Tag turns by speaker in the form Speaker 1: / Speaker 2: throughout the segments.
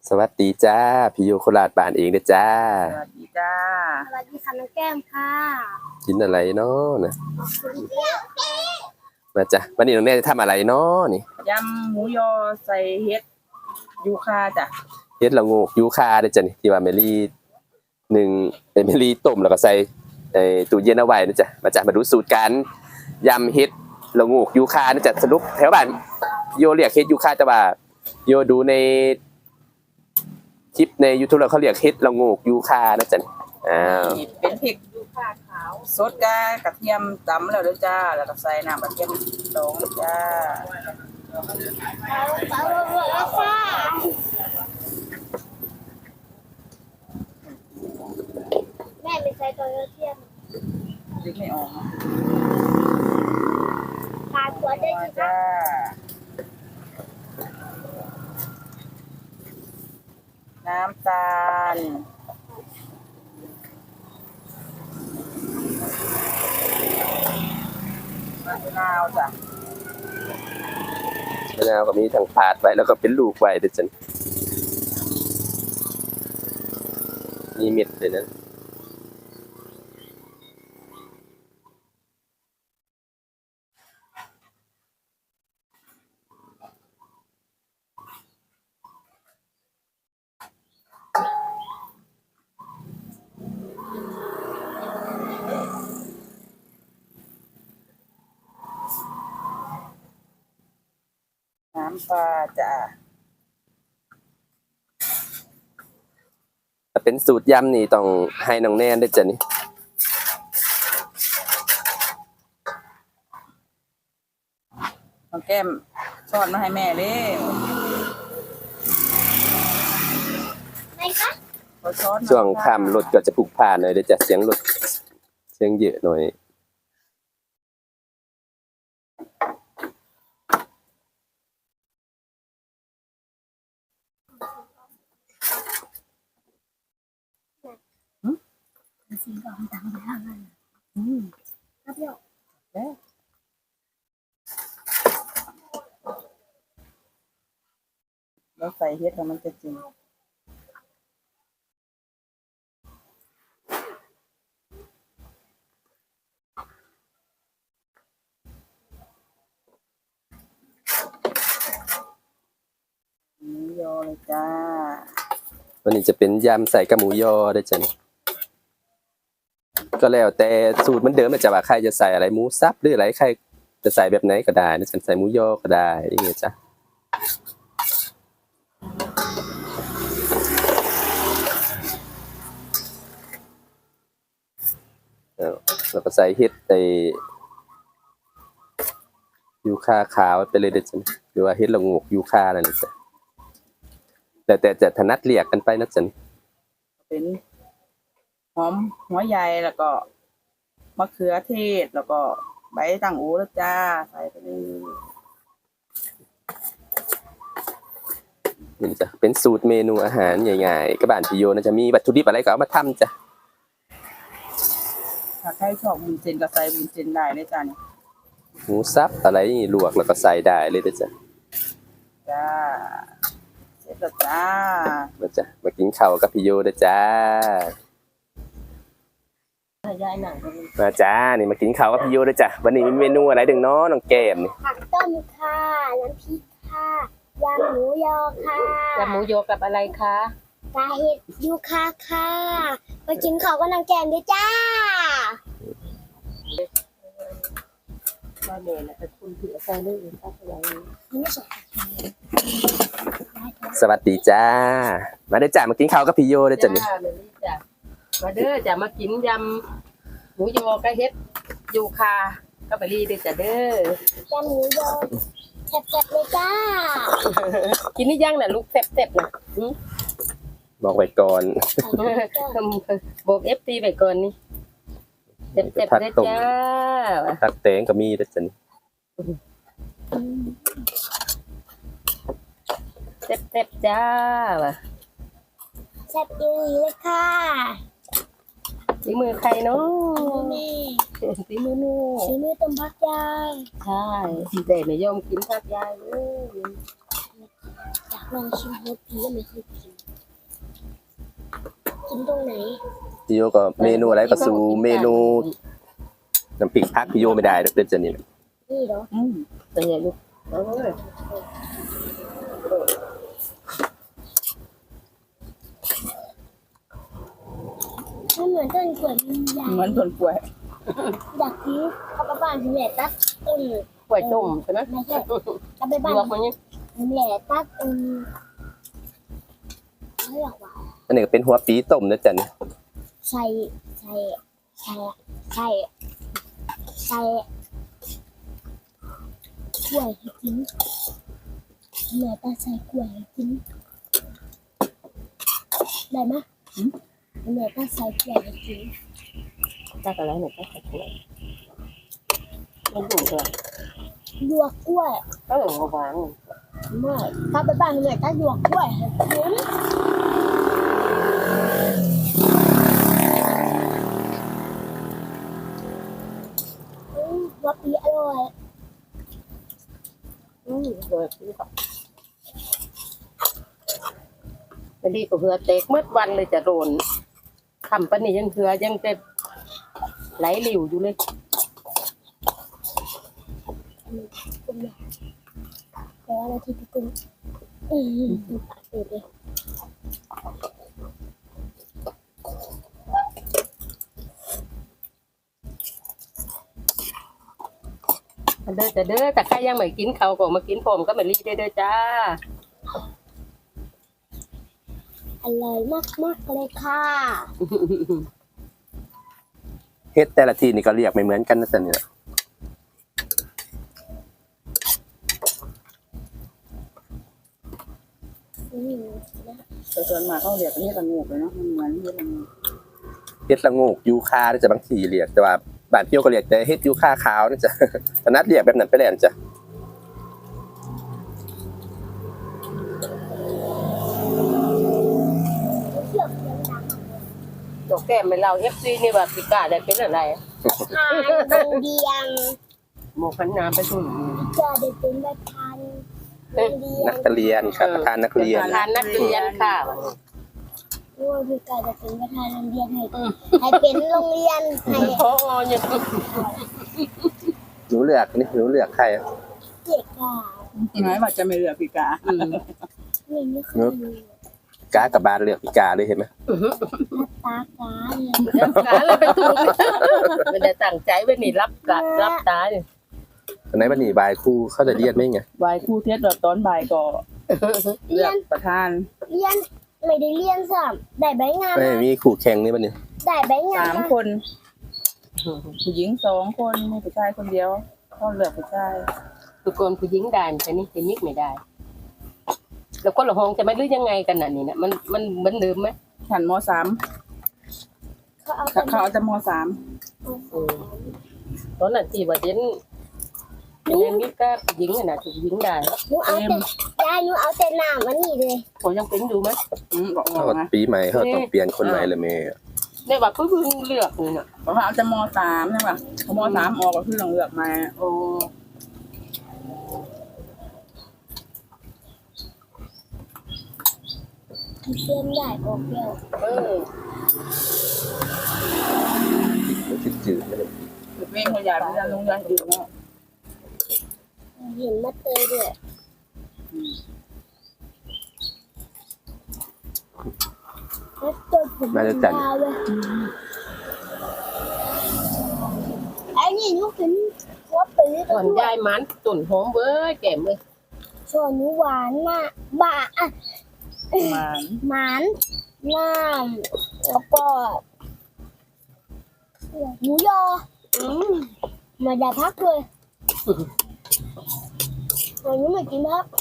Speaker 1: สวัสดีจ้าพี่โยโคราชบ้านเองเด้อจ้า
Speaker 2: สวัสดีจ้า
Speaker 3: สวัสดีค่ะน้องแก้มค่ะ
Speaker 1: กินอะไรเนาะนะมาจ้ะวันนี้น้องแน่จะทำอะไรเนาะนี่
Speaker 2: ยำหมูยอใส่เห็ดยูคาจ้ะ
Speaker 1: เฮ็ดละโงกยูคาเด้อจ้ะนี่ที่ว่าเมลี่หนึ่งเมลี่ต้มแล้วก็ใส่ตู้เย็นเอาไว้นะจ้ะมาจ้ะมาดูสูตรการยำเฮ็ดละโงกยูคานะจ้ะสรุปแถวบ้านโยเรียกเฮ็ดยูคาแต่ว่าโยดูในคลิปใน YouTube แล้วเขาเรียกเฮ็ดละโงกยูคานะจ๊ะ
Speaker 2: นี่เป็นพริกยูคาขาวสดกระเทียมตำแล้วด้วยจ้าแล้วก็ใส่น้ำกระเทียมดองจ้า
Speaker 3: แม่ไม่ใส่ตัวกระเทียม
Speaker 2: พริกไม่ออก
Speaker 3: ปลาตัวได้จี
Speaker 2: จ้าน้ำตาลมะนาวจ้ะ
Speaker 1: มะนาวก็มีทั้งผาดไว้แล้วก็เป็นลูกไว้ด้วยจ้ะมีเม็ดเลยนะ
Speaker 2: น้ำปลาจ้ะ
Speaker 1: ถ้าเป็นสูตรยำนี่ต้องให้น้องแนนด้วยจ้ะนี่
Speaker 2: น้องแก้มช้อนมาให้แม่เลย
Speaker 3: ไม่คะ
Speaker 1: ช่วงค่ำรถก็จะพลุกพล่านหน่อยเดี๋ยวจะเสียงรถเสียงเยอะหน่อย
Speaker 3: สีดำดังไปทางนั้นครับโย
Speaker 2: แล้วใส่เห็ดแล้วมันจะจริงหมูยอเลยจ้า
Speaker 1: วันนี้จะเป็นยำใส่กระหมูยอด้วยจ้ะก็แล้วแต่สูตรเหมือนเดิมจะว่าใครจะใส่อะไรหมูสับหรืออะไรใครจะใส่แบบไหนก็ได้นะฉันใส่หมูยอก็ได้อย่างเงี้ยจ้ะแล้วก็ใส่เห็ดยูคาขาวไปเลยเด็ดจ้ะหรือว่าเห็ดละโงกยูคานั่นแหละจ้ะแต่จะถนัดเรียกกันไปนะจ๊ะ
Speaker 2: เป็นหอมหัวใหญ่แล้วก็มะเขือเทศแล้วก็ใบต่างหูแล้วจ้าใส่ไปเลย
Speaker 1: นี่จ้ะเป็นสูตรเมนูอาหารง่ายๆกับบ้านพี่โยนะจะมีวัตถุดิบอะไรก็เอามาทำจ้ะ
Speaker 2: ถ้าใครชอบวุ้นเส้นก็ใส่วุ้นเส้นได้เลยจ้าเนี่ย
Speaker 1: หมูสับอะไรนี่ลวกแล้วก็ใส่ได้เลยนะจ๊ะ
Speaker 2: จ้าเสร็จแล้วจ้า
Speaker 1: มากินข้าวกับพี่โยนะจ้ามาจ้านี่มากินข้าวกับพี่โยนะจ้ะวันนี้มีเมนูอะไรดึงเนาะน้องแก้มนี่
Speaker 3: ผักต้มค่ะน้ำพริกค่ะยำหมูยอค่ะ
Speaker 2: ยำหมูยอกับอะไรคะ
Speaker 3: ปลาเห็ดยูคาค่ะมากินข้าวกับน้องแก้มด้วยจ้า
Speaker 2: มาเมย์นะแต่คุณถือใส่เรื่องอื่นก็อะไร
Speaker 3: ไม่ใช่
Speaker 1: สวัสดีจ้ามาได้จ้ามากินข้าวกับพี่โยนะจ้ะนี่
Speaker 2: มาเด้อจะมากินยำหมูยอกับเฮ็ดยูคาก็ไปรีเด้อจ้ะเด้
Speaker 3: อยำหมูยอแซ่บๆเลยจ้า
Speaker 2: กินนี่ยังน่ะลูกแซ่บๆน่ะ
Speaker 1: บอกไว้ก่อน
Speaker 2: บอกFTไว้ก่อนนี่แซ่บๆเลยจ้า
Speaker 1: ตักแตงก็มีนะจ้ะนี่
Speaker 2: แซ่บๆจ้า
Speaker 3: แซ่บดีเลยค่ะ
Speaker 2: ฝีมือใครเนาะ
Speaker 3: ฝีมือแม่ฝีมือต้มผักยาย
Speaker 2: ใช่แต่ไม่ยอมกินผักยายเลย
Speaker 3: อยากลองชิมรสพีไม่เคยกินกินตรงไหน
Speaker 1: พี่โยก็เมนูอะไรก็สู้เมนูน้ำพริกผักพี่โยไม่ได้เด้อจ้ะนี่
Speaker 3: นี่เหรอ
Speaker 4: เป็นไงลูกเอาเลย
Speaker 3: มันเหมือนต้นกล้วยมันใหญ่
Speaker 2: เหมือนต้นกล้วย
Speaker 3: อยากกินเอาไปบ้านแม่ตัดต้น
Speaker 4: กล้วยต้มใช่ไหม
Speaker 3: ไม่ใช่เอาไปบ้าน
Speaker 4: ลวกมันนี่
Speaker 3: แม่ตัดไม่หรอกว่า
Speaker 1: อันนี้ก็เป็นหัวปีต้มนะจ๊ะนี่
Speaker 3: ใส่กล้วยให้กินแม่ตัดใส่กล้วยให้กินได้ไหมแม่ตัดใส่กล้วยให้กิน
Speaker 4: ตักอะไรเนี่ยตักกล้วยมันดุเลย
Speaker 3: ลวกกล้วย
Speaker 4: ก็หลงหวาน
Speaker 3: ไม่ถ้าไปบ้านแม่ตัดลวกกล้วยให้กินว่าปีอร่อย
Speaker 4: เลยวันนี้ก็เหือเตกเมื่อวันเลยจะโดนคำปะนี่ยังเหือยังจะไหลหลิวอยู่เลย
Speaker 3: แต่ว่าเราที่พี่กุ้งปากเปิดเลย
Speaker 4: เด้อแต่เด้อแต่ใครยังไม่กินเขาก็มากินผมก็ไม่รีได้เด้อจ้า
Speaker 3: อร่อยมากเลยค่ะ
Speaker 1: เฮ็ดแต่ละทีนี่ก็เรียกไม่เหมือนกันนะจ๊ะนี่
Speaker 2: แต่ส่วนมากเขาเรียกกันเฮ็ดละงูกเลยเนาะมันเหมือนเฮ็ดละงูก
Speaker 1: เฮ็ดละโงกยูคานะจ๊ะบางทีเรียกแต่ว่าบ้านพี่โยก็เรียกแต่เฮ็ดยูคาขาวนะจ๊ะตอนนั้นเรียกแบบนั้นไปแล้วนะจ๊ะ
Speaker 3: เชือกเสียงดัง
Speaker 4: ดอกแก้มไม่เล่าเอฟซีนี่ว่าพิการได้เป็นอะไร
Speaker 3: ทานโรงเรียน
Speaker 4: หมกขันน้ำไปทุ่น
Speaker 3: จะได้เป็นประธานโรงเรีย
Speaker 1: นั
Speaker 3: น
Speaker 1: กเรียนครับประธานนักเรียน
Speaker 4: ทานนักเรียนค่ะ
Speaker 3: ว่าพี่กายจะเป็นประธานโรงเรียนให้เป็นโรงเรียนให้
Speaker 4: พอยัง
Speaker 1: หนูเลือกนี่หนูเลือกใครอะ
Speaker 3: เด็กอ่ะ
Speaker 2: หมายว่าจะไม่เลือกพี่กา
Speaker 3: ไม่เคยดู
Speaker 1: กากับบ้านเลือกพิกาเลยเห็นไหม
Speaker 3: ตากาเนี่ย
Speaker 4: กาเลยไปทุ่นไม่ได้ตั้งใจไว้นี่รับกะรับตาเนี่ย
Speaker 1: ตอนไหนวันนี้บายครูเขาจะเรียนไหมไง
Speaker 2: บ่ายครูเทศตอนบ่ายก็เลือกประธาน
Speaker 3: เรียนไม่ได้เรียนสัมได้ใบงาน
Speaker 1: ไม่มีครูแข่งนี่วันนี้
Speaker 3: ได้ใบงาน
Speaker 2: 3 คน ผู้หญิง2 คนมีผู้ชายคนเดียวเขาเลือกผู้ชาย
Speaker 4: ทุกคนผู้หญิงได้แต่นี่เป็นนิกไม่ได้ แล้วคนละห้องจะไม่รู้ยังไงกันน่ะนี่นะมันเหมือนเดิมไหม
Speaker 2: ชั้นม
Speaker 3: เขาเอา
Speaker 2: .3 เขาเอาแต่ม
Speaker 4: ตอนนั้นที่ว่าเด่นยังนิกก็ผู้หญิงน่ะถูกหญิงได้
Speaker 3: หนูเอาแต่ยายหนูเอาแต่น้ำวันนี้เลย
Speaker 4: ผมยังเป็นอยู่ไหม
Speaker 2: .3 บอก
Speaker 1: เขา
Speaker 2: นะ
Speaker 1: ปีใหม่เขาต้องเปลี่ยนคนใหม่เลยแม่
Speaker 4: ได้ว่าเพิ่งเลือกนี่น่ะ
Speaker 2: เพราะว่าเอาแต่ม .3 ใช่ป่ะพอม .3 ออกก็คือต้องเลือกมา
Speaker 4: โอ้
Speaker 3: เตรียมใหญ่ออกแล้ว
Speaker 4: เออ
Speaker 1: จืดๆไม่ได้
Speaker 2: เมฆเขาใหญ่ไปโรงเรียนอื่นเนาะ
Speaker 3: เห็นมาเตยด้วยแล้วตัวผมยาวเลยไอ้นี่หนูเป็นหัวปี
Speaker 4: ส่วนยายมันตุ่นหอมเว้ยแก้มเลย
Speaker 3: ส่วนหนูหวานน่ะบะอ่ะ
Speaker 2: ประมาณ
Speaker 3: หมานน้ำแล้วก็หมูยอมาได้พักเลยวันนี้ไม่กินพัก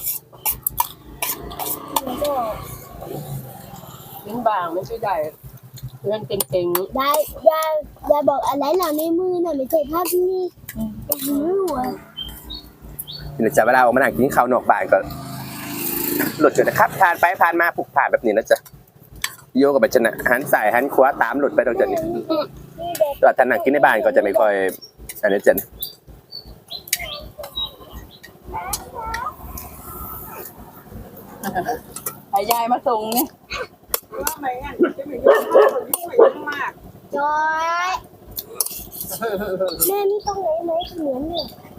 Speaker 3: แล้วก็
Speaker 4: ลิ้นบางไม่ใช่ได้เพื่อนเก่ง
Speaker 3: ยายบอกอะไรเหล่าในมือน่ะไม่ใช่ภาพนี่หิวอ่ะ
Speaker 1: ทีนี้จะเวลาออกมานั่งกินข้าวนอกบ้านก็หลุดอยู่นะครับผ่านไปผ่านมาผูกผ่านแบบนี้นะจ๊ะโยกับบัจนะหันสายหันขวาตามหลุดไปตรงจุดนี้แต่ถ้านั่งกินในบ้านก็จะไม่ค่อยอันนี้จ๊ะ
Speaker 2: ให้ยายมาส่งเนี่ยไม่งั้นจะไม่ยุ่งไม่ยุ่งมาก
Speaker 3: จอยแม่นี่ตรงไหนไหมเหมือนเนี่ย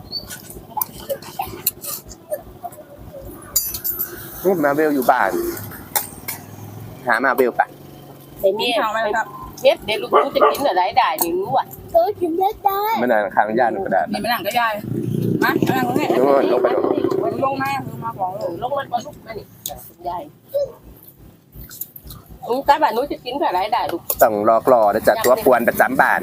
Speaker 1: นี่มาเวลอยู่บ้าน หามาเวลปะ
Speaker 4: ไอ้เมียเฮ็ดเดี๋ยวลูกรู้จะกินอะไรได้นี่รู้อ่ะ
Speaker 3: กินได้ได้
Speaker 1: มันนานข้างย่านกระดาษ
Speaker 2: นี่มานั่งก็ยายมานั่งตรงนี้
Speaker 1: ลงไปลง
Speaker 2: ลงมาคือมาบอก
Speaker 4: ลงมันก็ลุกมานี่คุณยายตาบ้านนู้จะกินอะไรได้ลูก
Speaker 1: ต้องรอกรอนะจ๊ะตัวปวนประจำบ้าน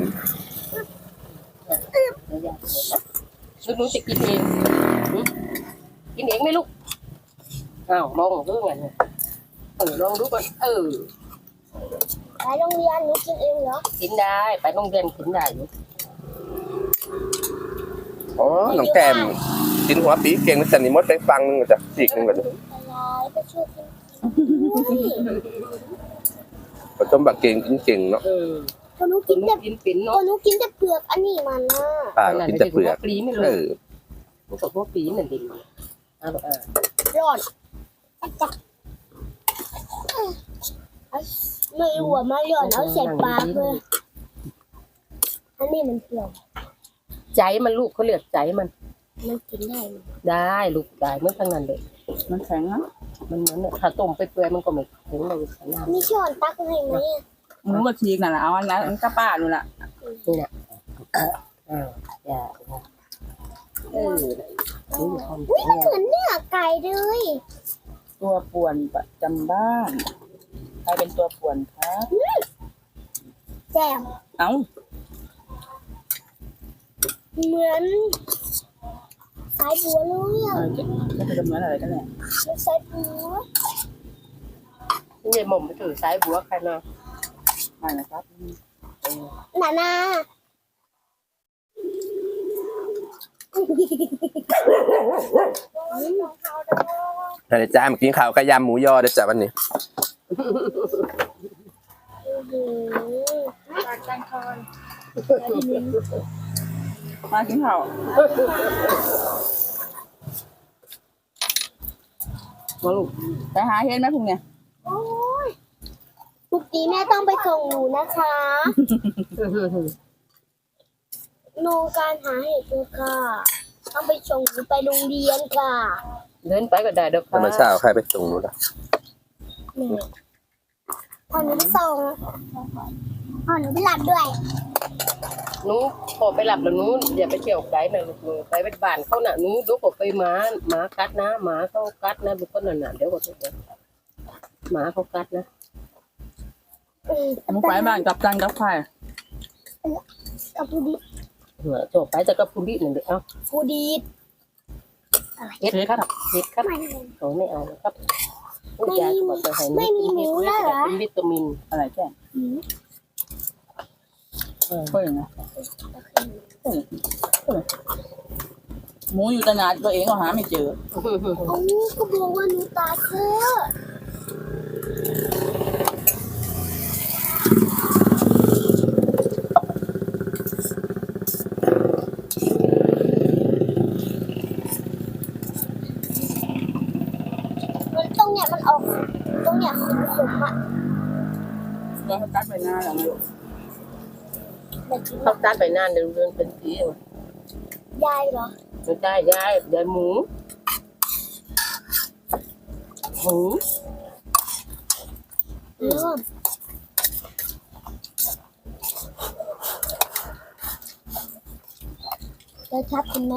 Speaker 4: ลูกรู้จะกินเองกินเองไหมลูกอ้าวลองดูไงลองดูก่อน
Speaker 3: ไปโรงเรียนหนูกินเองเหรอ
Speaker 4: กินได้ไปโรงเรียนกินได้อยู่
Speaker 1: อ๋อน้องแก้มกินหัวปีเก่งนะจ๊ะนี่มดไปฟังนึงจ้ะอีกนึงก่อน
Speaker 3: อะไรไปช่วยกิน
Speaker 1: ผสมบักเก่งกินเก่งเนาะ
Speaker 3: ก็หนู
Speaker 4: กิ
Speaker 3: กิ
Speaker 4: น
Speaker 3: นแต่
Speaker 4: กินปิ่น
Speaker 3: ก็
Speaker 4: เนาะ
Speaker 3: หนูกินแต่เปลือกอันนี้มันนะ
Speaker 1: ป่ากินแต่เปลือก
Speaker 4: ปลีไม่เลยมันกับพวกปีนั่นดิ
Speaker 3: ร้อนจักไม่รู้ว่ามาร้อนเอาใส่ปากเลยอันนี้มันเปลือก
Speaker 4: ใจมันลูกเขาเรียกใจมัน
Speaker 3: มันกินได้ไหม
Speaker 4: ได้ลูกได้เมื่อทั้งนั้นเลย
Speaker 2: มันแข็งนะ
Speaker 4: มันเหมือนถ้าต้มไปเปื่อยมันก็ไม่ถึงเลยขนาด
Speaker 3: มีช้อนตักให้ไหม
Speaker 2: หนูก็ทีนั่นแหละเอาอันนั้นกระป้าดูละ
Speaker 4: นี่นะอย่า
Speaker 3: อุ้ยมันเหมือนเนื้อไก่เลย
Speaker 2: ตัวป่วนประจำบ้านใครเป็นตัวป่วนครับ
Speaker 3: แจ่ม
Speaker 2: เอ้า
Speaker 3: เหมือนสายบัวเลยอ่ะ
Speaker 2: จะเป็นเหมือนอะไรกันแน่
Speaker 3: สายบัว
Speaker 4: นี่หม่อมไปถือสายบัวใครเนาะ
Speaker 2: ไม่นะครับ
Speaker 3: นานา
Speaker 1: อะไรจ้ามากินข้าวกระยำหมูยอเด้อจ้ะวันนี้
Speaker 2: มากินข้าวมาลูกไปหาเห็นไหมพวกเนี่ย
Speaker 3: โอ้ยปกติแม่ต้องไปส่งหนูนะคะโนการหาเห็ดเลยค่ะ ต้องไปส่งหนูไปโรงเรียนค่ะ
Speaker 4: เดินไปก็ได้เด้อ
Speaker 1: ธรรมชาติใครไปส่งหนูล่ะ
Speaker 3: แม่พอหนูไปส่งพอหนูไปรับด้วย
Speaker 4: หนูพอไปหลับแล้วหนูอย่าไปเที่ยวไกลนะลูกหนูไปเป็นบ้านเขาน่ะหนูดูก็ไปหมากัดนะหมาเขากัดนะลูกก็นั่นน่ะเดี๋ยวก็หมาเขากัดนะ
Speaker 2: หนูไปบ้านกับจันกับไข่
Speaker 3: กับผู้ดี
Speaker 4: จบไปจะกับคุณดิหนึ่งเดียว
Speaker 3: ผู้ดี
Speaker 4: เฮ็ดครับเฮ็ดครับโอ้ไม่เอาครับยายบอกจะให้เป็นวิตามิน
Speaker 2: อะไรแก่เพื่อนนะหมูอยู่ตลาดตัวเองก็หาไม่เจอ
Speaker 3: โอ้ก็บอกว่าหนูตาเธอมันตรงเนี้ยมันออกตรงเนี้ยขมๆอ่ะ
Speaker 2: เราตัดไปหน้าแล้วนะลูก
Speaker 4: เขาตัดไปนานเดินเป็นปี
Speaker 3: ยายเหรอ
Speaker 4: ไม่ได้ยายหมู
Speaker 3: จะชับกันไหม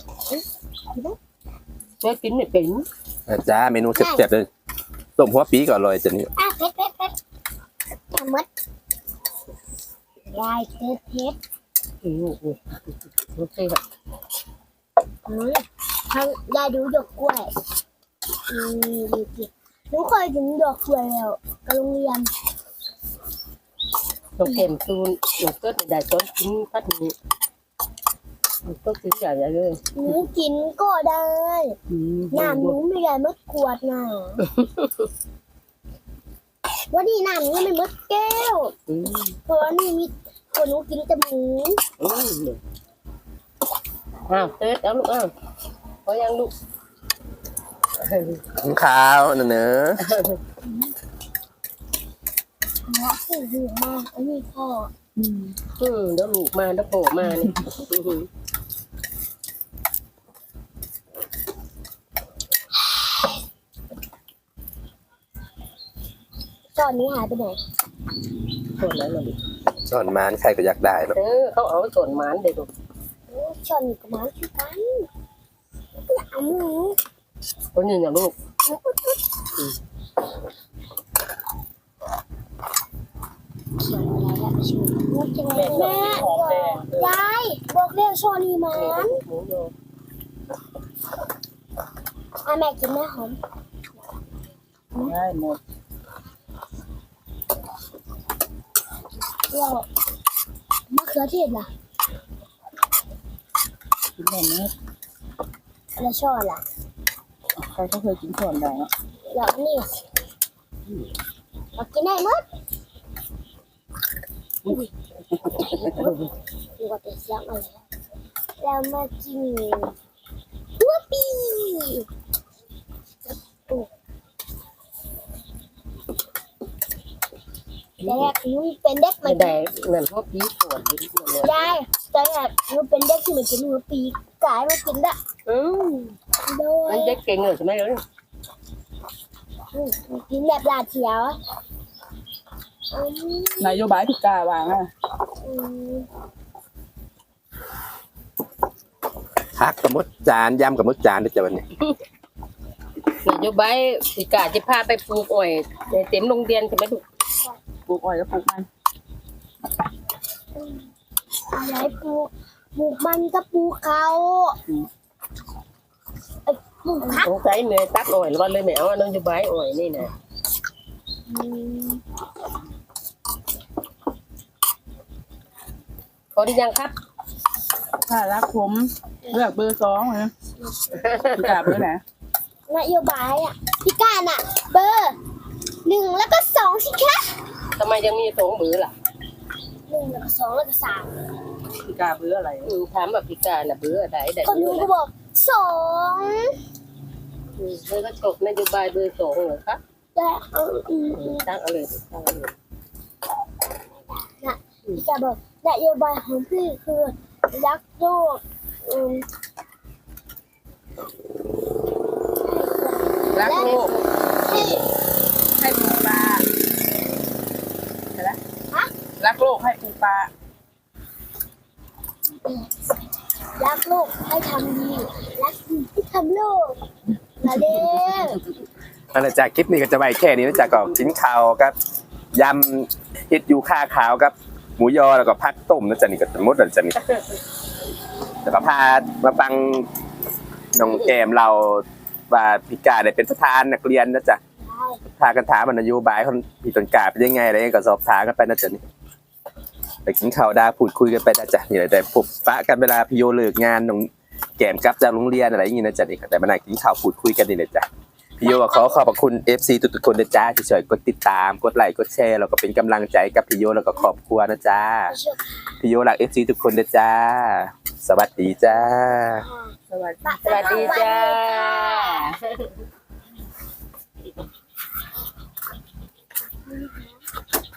Speaker 4: แม่กินไม่เป็น
Speaker 1: จ้าเมนูเจ็บๆเลยต้มหัวปีก่อนเลยจ้ะนี่
Speaker 3: เผ็ดทำมัดยายเผ็ด
Speaker 4: โอเคครับ
Speaker 3: ทางยายดูดอกกล้วยดูสิหนูเคยถึงดอกกล้วยแล้วกับโรงเรียน
Speaker 4: เราเก็บตูนเราก็ได้ต้นกินพัดนี้ก็กินใหญ่เลย
Speaker 3: หนูกินก็ได้น้ำหนูไม่ได้มดขวดน่ะวันนี้น้ำหนูไม่มดแก้วเพราะนี่มีคนหนูกินแต่หมู
Speaker 4: เต๊ดเอาลูกพอยังลูก
Speaker 1: ข้าวเนอะ
Speaker 3: เนาะคือหูมากอันนี้พ่อ
Speaker 4: เดี๋ยวลูกมาเดี๋ยวโผล่มานี่
Speaker 3: ตอนนี้หายไปไหน
Speaker 4: ส่วนนั้นน่ะดิ
Speaker 1: สอนมานใครก็อยากได้เนาะ
Speaker 4: เขาเอาส่วนหมานเด็ก
Speaker 3: ชอนกับหมาคือกันเอาหมู
Speaker 4: คนนี้นะลูก
Speaker 3: เขียวอะไรอะชื่อมูจังเล
Speaker 2: แม่
Speaker 3: ย
Speaker 2: ชอบ
Speaker 3: แม่
Speaker 2: หอมแดง
Speaker 3: ยายบอกเรียกชอนีมัน
Speaker 4: หมูโย
Speaker 3: แม่กินแม่หอม
Speaker 2: ได้หมด
Speaker 3: แล้วมะเขือเทศล่ะ
Speaker 2: กินแบบนี้
Speaker 3: แล้วชอล่ะ
Speaker 2: ใครก็เคยกินส่วนแดงอ่ะ
Speaker 3: แล้วนี่เรากินได้หมดดูว่าเป็นเสียงอะไรแล้วมากินหัวปีแต่แรกหนูเป็นเด็ก
Speaker 4: ไม่
Speaker 3: มัน
Speaker 4: ได้นั่นพวกพี่ส่วนนี้เนี่ย
Speaker 3: ยายแต่แรกหนูเป็นเด็กที่มันกินหัวปีกลายมากินได้ โดย
Speaker 4: มันเด็กเก่งเลยใช่ไหมเลย
Speaker 3: กินแบบลาเทียวอืม
Speaker 2: นายโยบายพิการวางอ่ะ
Speaker 3: อืม
Speaker 1: พักกับมดจานยำกับมดจานด้วยจ้ะวันนี้
Speaker 4: นโยบายสิกาจะพาไปปลูกอ้อยเต็มโรงเรียนใช่ไหมลูก
Speaker 2: ปลูกอ้อยก็ปลูกมัน
Speaker 3: อะไรปลูกมันก็ปลูกเขาปลูกผัก
Speaker 4: สงสัยเหนื่อยตักอ้อยหรือว่าเลยไม่เอานโยบายอ้อยนี่นะ
Speaker 3: อืม
Speaker 4: พอได้ยังครับ
Speaker 2: ถ้ารักผมเลือกเบอร์2นะพิการเบอร์ไหน
Speaker 3: นโยบายอ่ะพี่การอ่ะ เบอร์1แล้วก็2สิคะ
Speaker 4: ทำไมยังมี2เบอร์ล่ะ
Speaker 3: 1แล้วก็2แล้วก็3
Speaker 2: พิการเบอร์อะไร
Speaker 4: ถามแบบพิการน่ะเบอร์อะไรได้
Speaker 3: คน
Speaker 4: เบ
Speaker 3: ดู
Speaker 4: อร์
Speaker 3: ก็บอก2
Speaker 4: เบอร์ก็จบนโยบายเบอร์2เหรอครับ
Speaker 3: แต่
Speaker 4: ตั้งเอาเลยตั้งเอาเลย
Speaker 3: พี่การบอกนโยบายของพี่คือรักโลกอืม
Speaker 2: รักโลก
Speaker 3: ให้
Speaker 2: ให้ปลูกปลาเห็นไหม
Speaker 3: ฮะ
Speaker 2: รักโลกให้ปลูกปลา
Speaker 3: รักโลกให้ทำดีรักดีให้ทำโลกมาเด้อ
Speaker 1: อันนั้นจากคลิปนี้ก็จะไว้แค่นี้นะจ๊ะก็กินข้าวครับยำเฮ็ดยูค่าขาวครับหมูยอแล้วก็ผักต้มนะจ๊ะนี่ก็หมดแล้วจ้ะนี่แล้วก็พามาฟังน้องแกมเราว่าพิการได้เป็นประธานนักเรียนนะจ๊ะพากันถามนโยบายของพี่ต้นกล้าเป็นยังไงอะไรก็สอบถามกันไปนะจ๊ะนี่ไปกินข้าวดาพูดคุยกันไปนะจ๊ะนี่แหละแต่พบปะกันเวลาพี่โยเลิกงานน้องแกมกลับจากโรงเรียนอะไรอย่างงี้นะจ๊ะนี่แต่มานั่งกินข้าวพูดคุยกันนี่แหละจ้ะพี่โยก็ขอขอบคุณ FC ทุกๆคนนะจ๊ะที่ช่วยกดติดตามกดไลค์กดแชร์แล้วก็เป็นกำลังใจกับพี่โยแล้วก็ครอบครัวนะจ๊ะพี่โยรัก FC ทุกคนนะจ๊ะสวัสดีจ้า
Speaker 2: สวัสดี
Speaker 4: สวัสดีจ้า
Speaker 3: ส